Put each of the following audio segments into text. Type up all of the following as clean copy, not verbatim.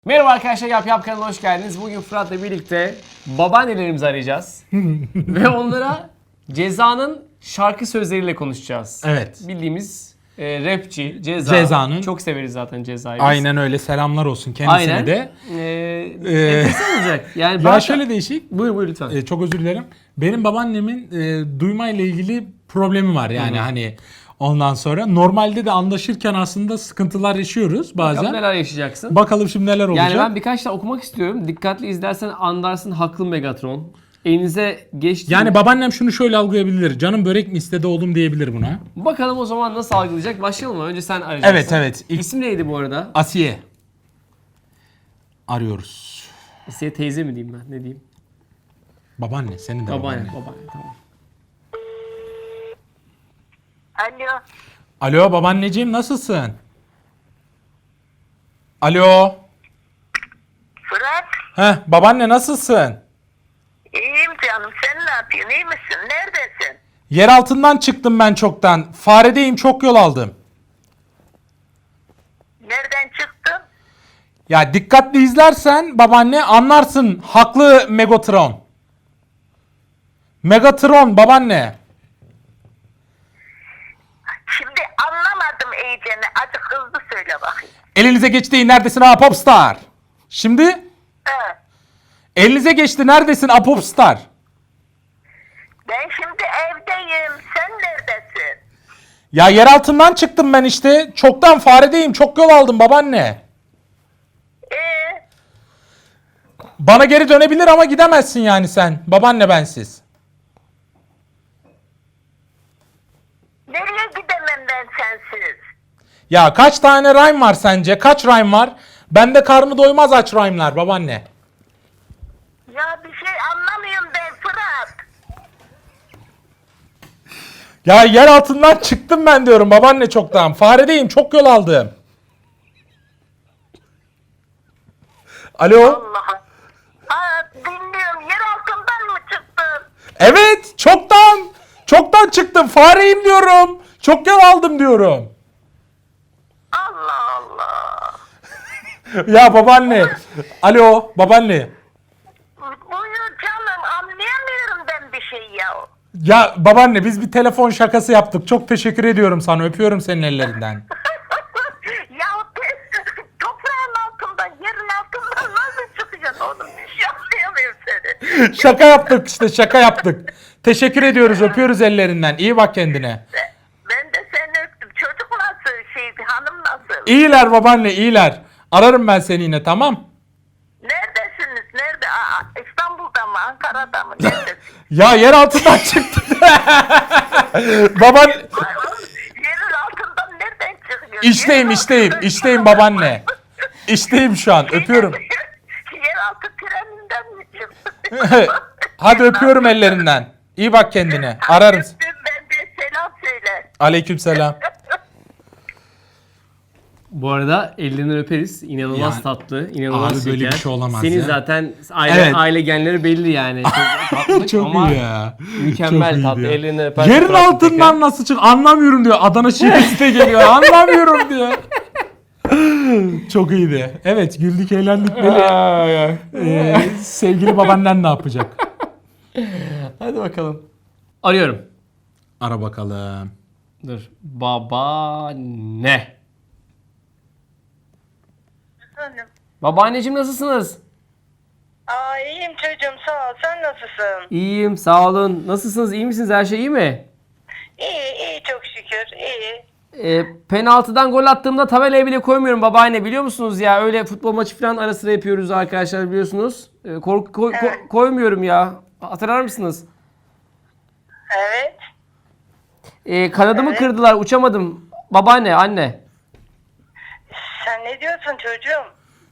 Merhaba arkadaşlar, Yap kanalına hoş geldiniz. Bugün Fırat'la birlikte babaannelerimizi arayacağız. Ve onlara Ceza'nın şarkı sözleriyle konuşacağız. Evet. Bildiğimiz rapçi Ceza. Ceza'nın. Çok severiz zaten Ceza'yı biz. Aynen öyle. Selamlar olsun kendisine Aynen. de. Enteresan olacak. Yani Ya şöyle değişik. Buyur lütfen. Çok özür dilerim. Benim babaannemin duymayla ilgili problemi var. Yani hani ondan sonra normalde de anlaşırken aslında sıkıntılar yaşıyoruz bazen. Bakalım neler yaşayacaksın. Bakalım şimdi neler olacak. Yani ben birkaç tane okumak istiyorum. Dikkatli izlersen anlarsın, haklı Megatron. Elinize geçti. Yani babaannem şunu şöyle algılayabilir. Canım börek mi istedi oğlum diyebilir buna. Bakalım o zaman nasıl algılayacak. Başlayalım mı? Önce sen arayacaksın. Evet. İsim neydi bu arada? Asiye. Arıyoruz. Asiye teyze mi diyeyim ben? Ne diyeyim? Babaanne. Senin de Babaanne. babaanne. Babaanne tamam. Alo. Alo babaanneciğim nasılsın? Alo. Fırat. Babaanne nasılsın? İyiyim canım. Sen ne yapıyorsun? İyi misin? Neredesin? Yer altından çıktım ben çoktan. Faredeyim, çok yol aldım. Nereden çıktın? Ya dikkatli izlersen babaanne anlarsın. Haklı Megatron. Megatron babaanne. Şimdi anlamadım iyicene. Azıcık hızlı söyle bakayım. Elinize geçti, neredesin ha Popstar? Şimdi He. elinize geçti, neredesin ha Popstar? Ben şimdi evdeyim. Sen neredesin? Ya yer altından çıktım ben işte. Çoktan faredeyim, çok yol aldım babaanne. Bana geri dönebilir ama gidemezsin yani sen. Babaanne bensiz. Nereye gidemem ben sensiz? Ya kaç tane rhyme var sence? Kaç rhyme var? Bende karnı doymaz aç rhyme'lar babaanne. Ya bir şey anlamıyorum ben Fırat. Ya yer altından çıktım ben diyorum babaanne çoktan. Faredeyim, çok yol aldım. Alo? Allah'ım. Dinliyorum. Yer altından mı çıktın? Evet, çoktan. Çoktan çıktım. Fareyim diyorum. Çok yol aldım diyorum. Allah Allah. Ya babaanne. Alo babaanne. Buyur canım. Anlayamıyorum ben bir şey ya. Ya babaanne biz bir telefon şakası yaptık. Çok teşekkür ediyorum sana. Öpüyorum senin ellerinden. Ya toprağın altından, yerin altından nasıl çıkacaksın oğlum? Bir şey anlayamıyorum seni. Şaka yaptık işte, şaka yaptık. Teşekkür ediyoruz. Öpüyoruz ellerinden. İyi bak kendine. Ben de seni öptüm. Çocuk nasıl şeydi, hanım nasıl? İyiler babaanne, iyiler. Ararım ben seni yine, tamam? Neredesiniz? Nerede? İstanbul'da mı? Ankara'da mı? Neredesin? Ya yer altından çıktı. Baban Ay, oğlum, yerin altından nereden çıkıyor? işteyim babaanne. İşteyim şu an. Öpüyorum. Yeraltı treninden mi çıktın? Hadi öpüyorum ellerinden. İyi bak kendine. Ararım. Öptüm, ben de selam söyle. Aleykümselam. Bu arada ellerinden öperiz. İnanılmaz Yani, tatlı, inanılmaz abi şeker. böyle bir şey olamaz Senin ya. zaten Evet. aile genleri belli yani. Çok tatlı Çok ama iyi ya. mükemmel Çok iyi tatlı. ya. Ellerinden öper. Yerin fotoğraf altından çeker. nasıl çık? Anlamıyorum diyor. Adana şivesi de geliyor. Anlamıyorum diyor. Çok iyiydi. Evet, güldük eğlendik böyle. Sevgili babaannen ne yapacak? Hadi bakalım. Arıyorum. Ara bakalım. Dur. Babaanne. Efendim? Babaanneciğim nasılsınız? İyiyim çocuğum, sağ ol. Sen nasılsın? İyiyim, sağ olun. Nasılsınız? İyi misiniz? Her şey iyi mi? İyi çok şükür, iyi. Penaltıdan gol attığımda tabelaya bile koymuyorum babaanne, biliyor musunuz ya? Öyle futbol maçı falan ara sıra yapıyoruz arkadaşlar, biliyorsunuz. Koymuyorum ya. Hatırlar mısınız? Evet. Kanadımı Evet. kırdılar, uçamadım. Babaanne, anne. Sen ne diyorsun çocuğum?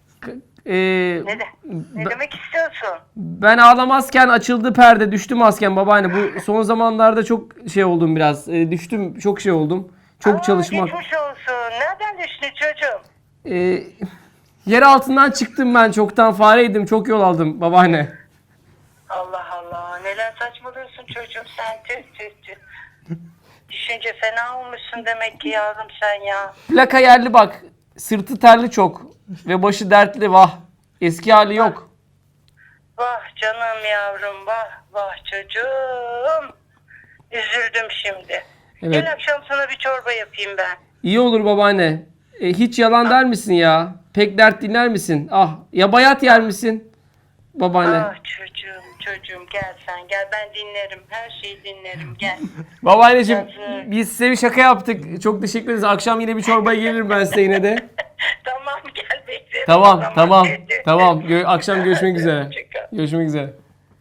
Ne demek istiyorsun? Ben ağlamazken açıldı perde, düştüm asken babaanne. Bu son zamanlarda çok şey oldum biraz. Düştüm, çok şey oldum. Çok çalışmak. Geçmiş olsun. Nereden düştün çocuğum? Yer altından çıktım ben, çoktan fareydim, çok yol aldım babaanne. Allah Allah. Neler saçmalıyorsun çocuğum sen? Tüh. Düşünce fena olmuşsun demek ki yavrum sen ya. Plaka yerli bak. Sırtı terli çok. ve başı dertli vah. Eski hali yok. Vah canım yavrum, vah vah çocuğum. Üzüldüm şimdi. Evet. Gel akşam sana bir çorba yapayım ben. İyi olur babaanne. Hiç yalan der misin ya? Pek dert dinler misin? Ah, ya bayat yer misin? Babaanne. Ah çocuğum gel sen gel, ben dinlerim, her şeyi dinlerim, gel. Babaanneciğim Yazık. biz size bir şaka yaptık. Çok teşekkür ederiz. Akşam yine bir çorbaya gelirim ben size yine de. Tamam gel beklerim. Tamam, o zaman. tamam, Hadi. tamam. Akşam görüşmek üzere. Hoşça kal. Görüşmek üzere.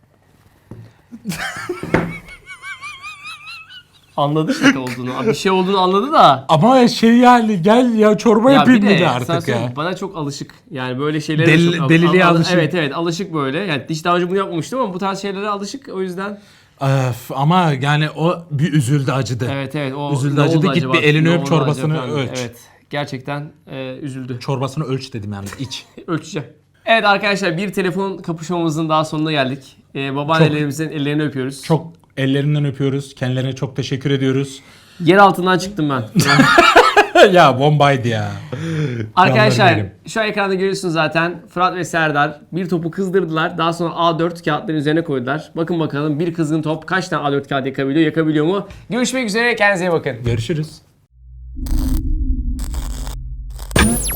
Anladı şaka olduğunu. Bir şey olduğunu anladı da. Ama şey yani gel ya çorba Ya yapayım bir de dedi sana artık söyleyeyim, ya. bana çok alışık. Yani böyle şeylere çok Deliliğe alışık. Evet alışık böyle. Yani hiç daha önce bunu yapmamıştım ama bu tarz şeylere alışık. O yüzden Öf, ama yani o bir üzüldü acıdı. evet o Üzüldü, ne acıdı. oldu Git acaba? bir elini Ne öp, oldu çorbasını acaba? ölç. Evet gerçekten üzüldü. Çorbasını ölç dedim yani iç. Ölçeceğim. Evet arkadaşlar bir telefon kapışmamızın daha sonuna geldik. Babaannelerimizin ellerini öpüyoruz. Çok ellerinden öpüyoruz. Kendilerine çok teşekkür ediyoruz. Yer altından çıktım ben. Ya bombaydı ya. Arkadaşlar Canlarım benim. şu an ekranda görüyorsunuz zaten. Fırat ve Serdar bir topu kızdırdılar. Daha sonra A4 kağıtların üzerine koydular. Bakın bakalım bir kızgın top kaç tane A4 kağıt yakabiliyor mu? Görüşmek üzere, kendinize iyi bakın. Görüşürüz.